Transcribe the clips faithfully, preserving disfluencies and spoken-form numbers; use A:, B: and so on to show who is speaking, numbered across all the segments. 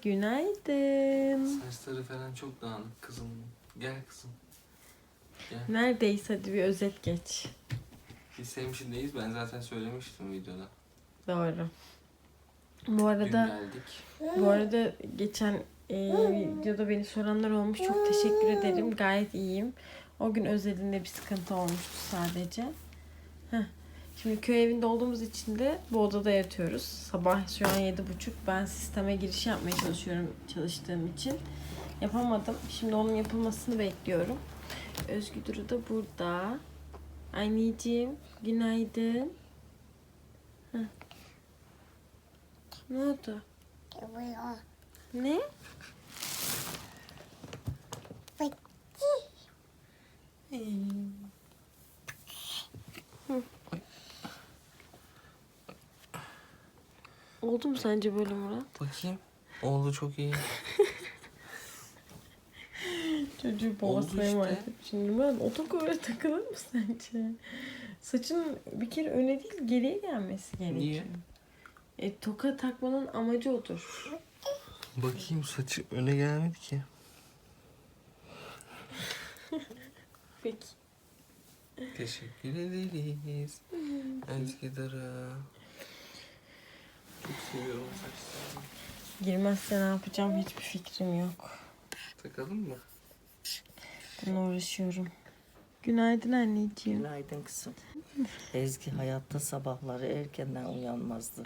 A: Günaydın.
B: Saçları falan çok dağınık kızım. Gel kızım. Gel.
A: Neredeyiz, hadi bir özet geç.
B: Biz Sevmişin'deyiz. Ben zaten söylemiştim videoda.
A: Doğru. Bu arada
B: Dün geldik.
A: bu arada geçen e, videoda beni soranlar olmuş. Çok teşekkür ederim. Gayet iyiyim. O gün özelinde bir sıkıntı olmuştu sadece. Heh. Şimdi köy evinde olduğumuz için de bu odada yatıyoruz. Sabah şu an yedi buçuk. Ben sisteme giriş yapmaya çalışıyorum çalıştığım için. Yapamadım. Şimdi onun yapılmasını bekliyorum. Özgü Duru da burada. Anneciğim, günaydın. Heh. Ne oldu? Ne? Hı. Oldu mu sence böyle Murat?
B: Bakayım. Oldu çok iyi.
A: Çocuğu
B: Oldu
A: babasına
B: işte.
A: emanet et. Şimdi Murat otokola öyle takılır mı sence? Saçın bir kere öne değil geriye gelmesi gerekiyor.
B: Niye?
A: E, toka takmanın amacı odur.
B: Bakayım saçı öne gelmedi ki.
A: Peki.
B: Teşekkür ederiz. Özgü Duru. Çok seviyorum saçlarını.
A: Girmezse ne yapacağım hiçbir fikrim yok.
B: Takalım mı?
A: Bununla uğraşıyorum. Günaydın anneciğim.
C: Günaydın kızım. Ezgi hayatta sabahları erkenden uyanmazdı.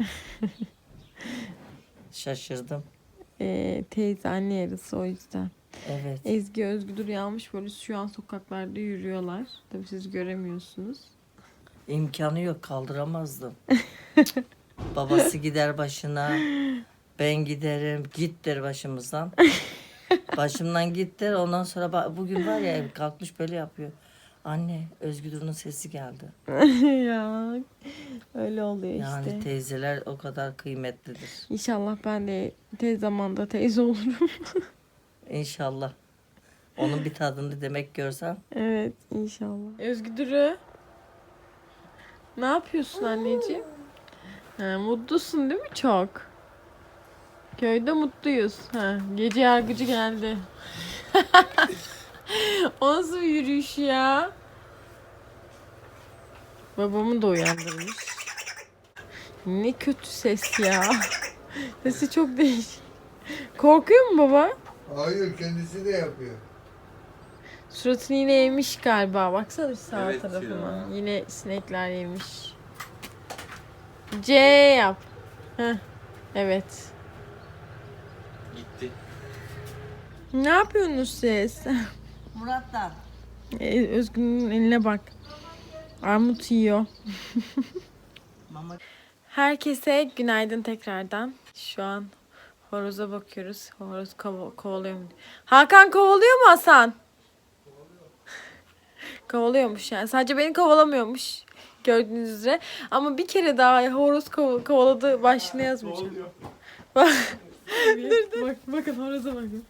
C: Şaşırdım.
A: Ee, teyze anne yarısı o yüzden.
C: Evet.
A: Ezgi Özgüdür yanmış böyle şu an sokaklarda yürüyorlar. Tabii siz göremiyorsunuz.
C: İmkanı yok, kaldıramazdım. Babası gider başına. Ben giderim. Git der başımızdan. Başımdan git der. Ondan sonra ba- bugün var ya kalkmış böyle yapıyor. Anne Özgür'ün sesi geldi.
A: Ya öyle oluyor
C: Yani
A: işte.
C: teyzeler o kadar kıymetlidir.
A: İnşallah ben de tez zamanda teyze olurum.
C: İnşallah. Onun bir tadını demek görsem.
A: Evet inşallah. Özgüdür'ü ne yapıyorsun anneciğim? Ha, mutlusun değil mi çok? Köyde mutluyuz. Ha, gece yargıcı geldi. O nasıl bir yürüyüş ya? Babamı da uyandırmış. Ne kötü ses ya. Sesi çok değişik. Korkuyor mu baba?
D: Hayır, kendisi de yapıyor.
A: Suratını yine yemiş galiba. Baksana bir sağ
B: Evet
A: tarafına.
B: ya.
A: Yine sinekler yemiş. C yap. Heh. Evet.
B: Gitti.
A: Ne yapıyorsunuz siz?
C: Murat'tan.
A: Ee, Özgün'ün eline bak. Armut yiyor.
C: Mama.
A: Herkese günaydın tekrardan. Şu an horoza bakıyoruz. Horoz kova- kovalıyor mu? Hakan kovalıyor mu Hasan? Kovalıyormuş yani. Sadece beni kovalamıyormuş. Gördüğünüz üzere. Ama bir kere daha horoz kov- kovaladı başlığına yazmayacağım. Bak. dur dur. Bak, bakın horoza bakın.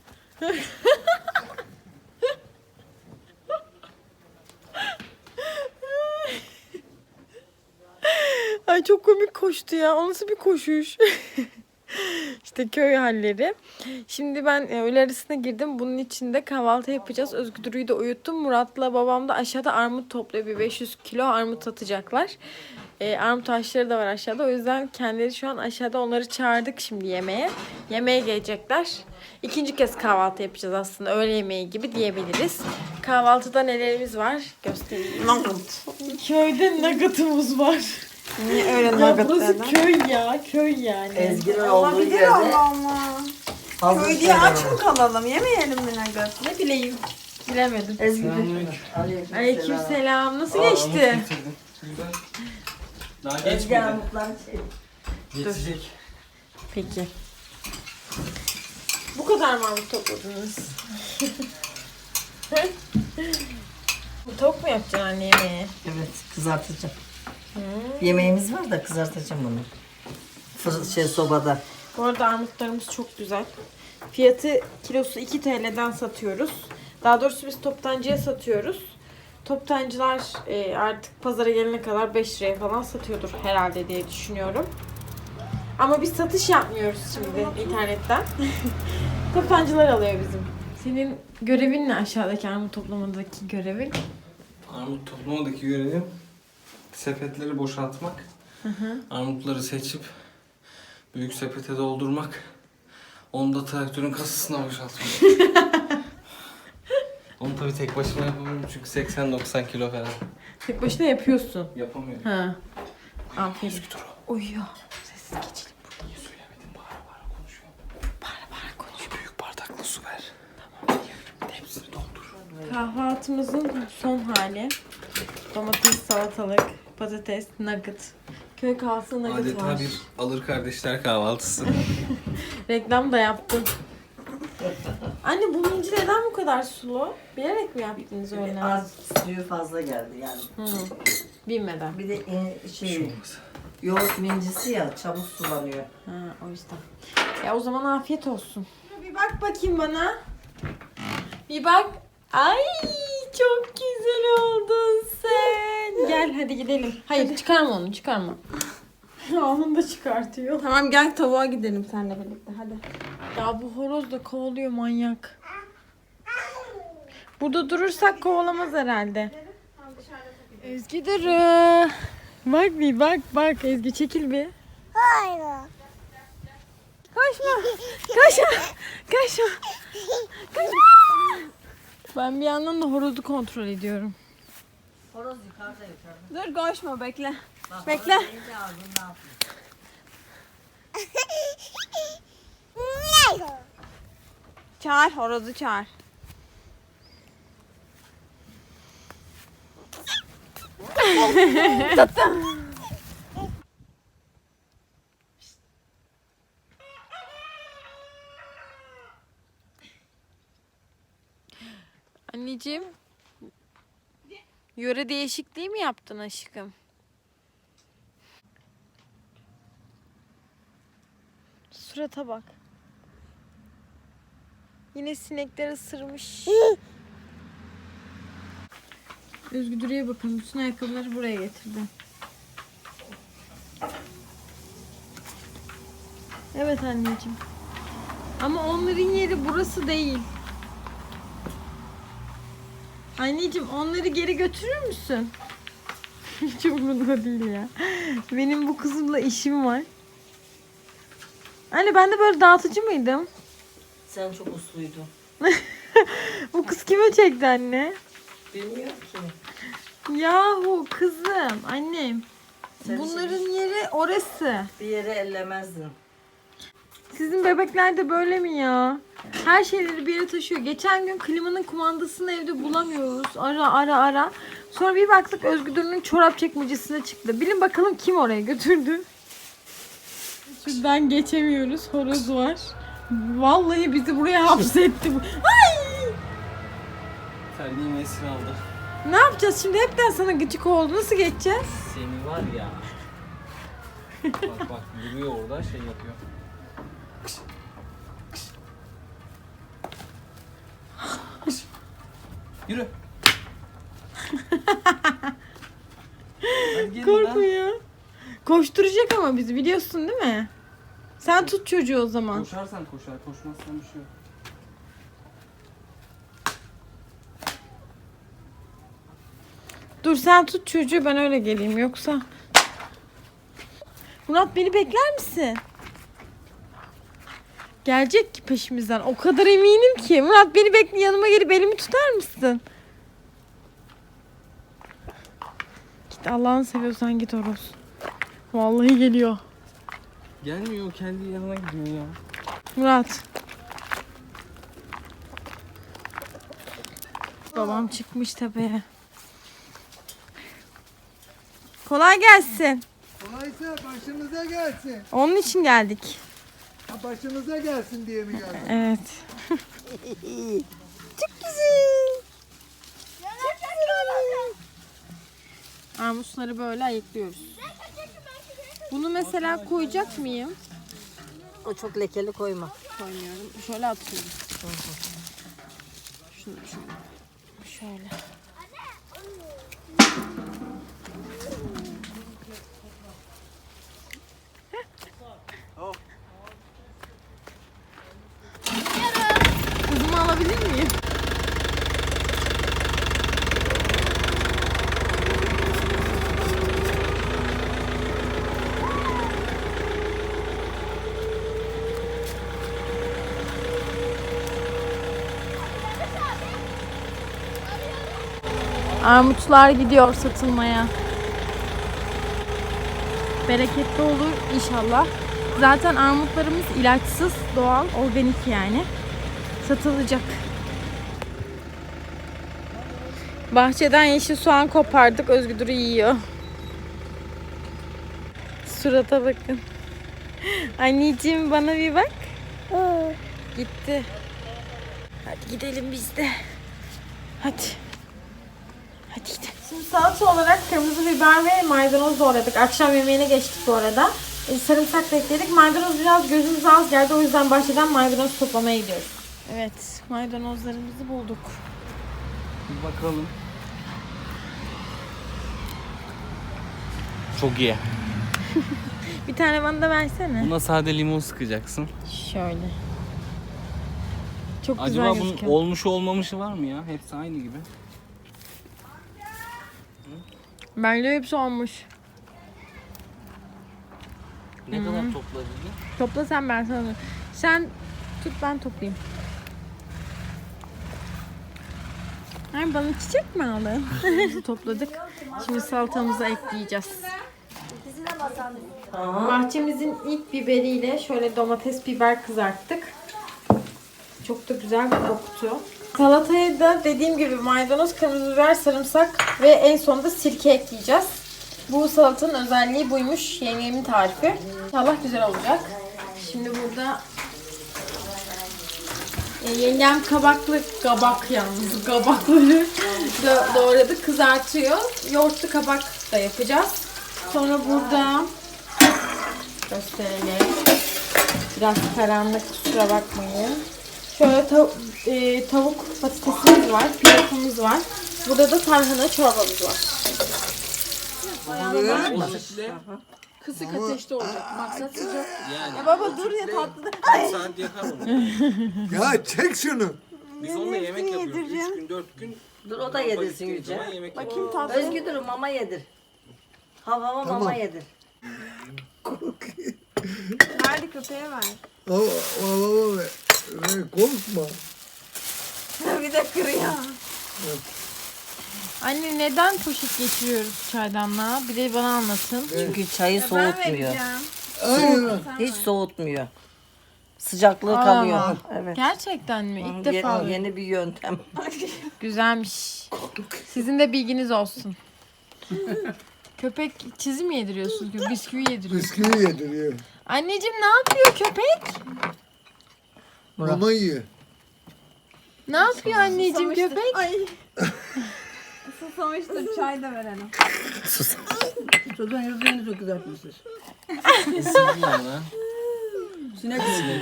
A: Ay çok komik koştu ya. O nasıl bir koşuş? İşte köy halleri. Şimdi ben e, öğle arasına girdim. Bunun içinde kahvaltı yapacağız. Özgür Duru'yu da uyuttum. Murat'la babam da aşağıda armut topluyor. Bir beş yüz kilo armut atacaklar. E, armut ağaçları da var aşağıda. O yüzden kendileri şu an aşağıda, onları çağırdık şimdi yemeğe. Yemeğe gelecekler. İkinci kez kahvaltı yapacağız aslında. Öğle yemeği gibi diyebiliriz. Kahvaltıda nelerimiz var? Göstereyim.
C: Nugget.
A: Köyde nugget'ımız var.
E: Niye öyle
A: Ya
E: nugget
A: burası
E: dedin?
A: köy ya. Köy yani.
C: Ezgi'nin olduğu
E: Olabilir
C: yerde
E: Allah Allah.
C: hazır
E: Köy diye
C: şeyler
E: aç
C: var.
E: mı kalalım? Yemeyelim mi nugget?
A: Ne bileyim. Bilemedim.
C: Ezgi.
B: Selamünaleyküm.
A: Aleykümselam. Nasıl
B: Aa,
A: geçti?
B: Umut getirdi. Güzel. Daha
C: Ezgi
B: geçmedi.
C: armutlar şey.
B: Geçecek.
A: Peki. Bu kadar mı armut topladınız? Tavuk mu yapacaksın anne yemeğe?
C: Evet, kızartacağım. Yemeğimiz var da kızartacağım onu. Fır şey sobada.
A: Bu arada armutlarımız çok güzel. Fiyatı kilosu iki T L'den satıyoruz. Daha doğrusu biz toptancıya satıyoruz. Toptancılar e, artık pazara gelene kadar beş liraya falan satıyordur herhalde diye düşünüyorum. Ama biz satış yapmıyoruz şimdi internetten. Toptancılar alıyor bizim. Senin görevin ne aşağıdaki armut toplamadaki görevin?
B: Armut toplamadaki görevim sepetleri boşaltmak.
A: Hı hı.
B: Armutları seçip büyük sepete doldurmak. Onu da traktörün kasasına boşaltmak. Onu tabii tek başıma yapamıyorum çünkü seksen doksan kilo falan.
A: Tek başına yapıyorsun.
B: Yapamıyorum.
A: Ha. Aferin.
B: Dur.
A: Uyuyor. Sessiz geçelim.
B: Niye söylemedin? Bağıra bağıra konuşuyorum.
A: Bağıra bağıra konuş.
B: Büyük bardakla su ver. Tamam biliyorum. Hepsini doldur.
A: Kahvaltımızın son hali. Domates, salatalık, patates, nugget. Köy kahvaltısı nugget
B: Adeta
A: var.
B: bir alır kardeşler kahvaltısı.
A: Reklam da yaptım. Anne bu minci neden bu kadar sulu? Bilerek mi yaptınız öyle?
C: Az suyu fazla geldi yani.
A: Hı. Bilmeden.
C: Bir de e,
B: Şey
C: şey
B: olmaz.
C: yoğurt mincisi ya çabuk sulanıyor.
A: Ha, o yüzden. Ya o zaman afiyet olsun. Bir bak bakayım bana. Bir bak. Ay çok güzel oldun sen. Gel hadi gidelim. Hayır çıkarma onu çıkarma. Onu da çıkartıyor.
E: Tamam gel tavuğa gidelim seninle birlikte hadi.
A: Ya bu horoz da kovalıyor manyak. Burada durursak kovalamaz herhalde. Ezgi Duru. Bak bir bak bak Ezgi çekil bir.
F: Hayır.
A: Kaçma. Kaçma. Kaçma. Kaçma. Ben bir yandan da horozu kontrol ediyorum.
C: Horoz yukarıda yukarıda.
E: Dur koşma bekle.
C: Bak,
E: Bekle.
C: horoz deyince ağzını ne yapıyor?
E: Çağır horozu çağır.
A: Anneciğim. Yöre değişikliği mi yaptın aşkım? Surata bak. Yine sinekler ısırmış. Özgü Duru'ya bakın. Bütün ayakkabıları buraya getirdi. Evet anneciğim. Ama onların yeri burası değil. Anneciğim onları geri götürür müsün? Hiç umurumda değil ya. Benim bu kızımla işim var. Anne ben de böyle dağıtıcı mıydım?
C: Sen çok usluydun.
A: Bu kız kime çekti anne?
C: Bilmiyorum ki.
A: Yahu kızım annem.
C: Sen
A: Bunların yeri orası.
C: Bir yere ellemezdin.
A: Sizin bebekler de böyle mi ya? Her şeyleri bir yere taşıyor. Geçen gün klimanın kumandasını evde bulamıyoruz. Ara ara ara. Sonra bir baktık Özgü Duru'nun çorap çekmecesine çıktı. Bilin bakalım kim oraya götürdü. Şuradan geçemiyoruz. Horoz var. Vallahi bizi buraya hapsetti. bu. Ay!
B: Terliğimi esir aldı.
A: Ne yapacağız şimdi? Hepten sana gıcık oldu. Nasıl geçeceğiz?
B: Seni var ya. Bak bak duruyor orada şey yapıyor. Yürü. Hadi gelin lan.
A: Korkmuyor. Koşturacak ama bizi biliyorsun değil mi? Sen tut çocuğu o zaman.
B: Koşarsan koşar, koşmazsan bir şey yok.
A: Dur sen tut çocuğu ben öyle geleyim yoksa. Murat beni bekler misin? Gelecek ki peşimizden. O kadar eminim ki. Murat beni bekle yanıma gelip elimi tutar mısın? Git Allah'ını seviyorsan git Horoz. Vallahi geliyor.
B: Gelmiyor, kendi yanına gidiyor ya.
A: Murat. Babam çıkmış tepeye. Kolay gelsin.
D: Kolaysa başımıza gelsin.
A: Onun için geldik.
D: Ha, başımıza gelsin diye mi geldin?
A: Evet. Çok güzel. Çok güzel. Armutları böyle ayıklıyoruz. Bunu mesela koyacak mıyım?
C: O çok lekeli koyma.
A: Koymuyorum. Şöyle atıyorum. Şunu şöyle. Şöyle. Armutlar gidiyor satılmaya. Bereketli olur inşallah. Zaten armutlarımız ilaçsız, doğal, organik yani. Satılacak. Bahçeden yeşil soğan kopardık. Özgür yiyor. Surata bakın. Anneciğim bana bir bak. Aa, gitti. Hadi gidelim biz de. Hadi. Hadi gidelim. Şimdi salata olarak kırmızı biber ve maydanoz doğradık. Akşam yemeğine geçtik bu arada. E, sarımsak da ekledik. Maydanoz biraz gözümüze az geldi. O yüzden bahçeden maydanoz toplamaya gidiyoruz. Evet, maydanozlarımızı bulduk.
B: Bir bakalım. Çok iyi.
A: Bir tane bana da versene.
B: Buna sade limon sıkacaksın.
A: Şöyle. Çok
B: Acaba
A: güzel
B: bunun
A: gözüküyor.
B: olmuşu olmamışı var mı ya? Hepsi aynı gibi.
A: Bence hepsi olmuş.
B: Ne kadar topladın?
A: Topla sen, ben sana. Sen tut, ben toplayayım. Ay, bana çiçek mi aldın? Topladık. Şimdi salatamızı ekleyeceğiz. Bahçemizin ilk biberiyle şöyle domates biber kızarttık. Çok da güzel bir koktu. Salataya da dediğim gibi maydanoz, kırmızı biber, sarımsak ve en sonunda sirke ekleyeceğiz. Bu salatanın özelliği buymuş. Yengemin tarifi. İnşallah güzel olacak. Şimdi burada e, yengem kabaklı, kabak yalnız kabakları da doğradı, kızartıyor. Yoğurtlu kabak da yapacağız. Sonra burada gösterelim. Biraz karanlık, kusura bakmayın. Şöyle tav- e, tavuk patatesimiz var, pilavımız var. Burada da tarhana çorbamız var.
E: Kısık ateşte olacak. Maksat sıcak.
B: Yani.
E: Ya baba dur ya tatlı.
B: Bir saat yakar onu.
D: Ya çek şunu.
B: Biz onunla yemek yapıyoruz. üç gün, dört gün.
C: Dur o da yedirsin Yüce.
B: Yemek
E: Bakayım tatlı.
C: Özgür dur mama yedir. Hava hava mama yedir.
E: Verdi köpeğe ver.
D: O, o, o, ve, ve korkma.
E: Bir de kırıyor.
A: Anne, neden poşet geçiriyoruz çaydanlığa? Bir de bana anlatın.
C: Çünkü çayı
E: Ben
C: soğutmuyor.
E: vereceğim.
D: Aynen.
C: Hiç soğutmuyor. Sıcaklığı
A: Aa.
C: kalıyor. Evet.
A: Gerçekten mi? İlk
C: Ye-
A: defa.
C: yeni bir yöntem.
A: Güzelmiş. Sizin de bilginiz olsun. Köpek çizim mi yediriyorsunuz? Bisküvi yediriyor.
D: Bisküvi yediriyor.
A: Anneciğim, ne yapıyor köpek?
D: Mama yiyor.
A: Ne yapıyor anneciğim köpek?
E: Ay. Susamıştır. Çay da verelim.
F: Çocuğun yüzüğünü çok kızartmışsınız.
B: Lan.
F: Sinek sinek.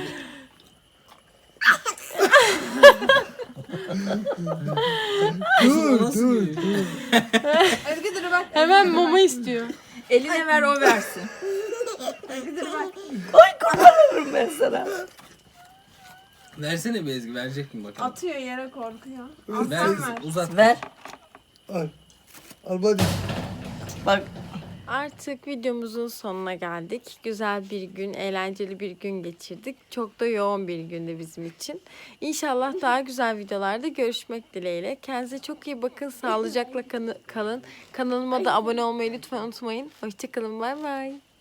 D: Dur dur dur.
E: Özgür dur bak.
A: Hemen mama istiyor.
F: Eline ver o versin.
E: Özgür dur bak.
C: Olurum ben sana.
B: Versene bir Ezgi, verecek mi bakalım?
E: Atıyor yere, korkuyor.
B: Ver, uzat.
C: Ver.
D: Al. Al hadi.
C: Bak
A: Artık videomuzun sonuna geldik. Güzel bir gün, eğlenceli bir gün geçirdik. Çok da yoğun bir gündü bizim için. İnşallah daha güzel videolarda görüşmek dileğiyle. Kendinize çok iyi bakın. Sağlıcakla kanı- kalın. Kanalıma da abone olmayı lütfen unutmayın. Hoşçakalın. Bay bay.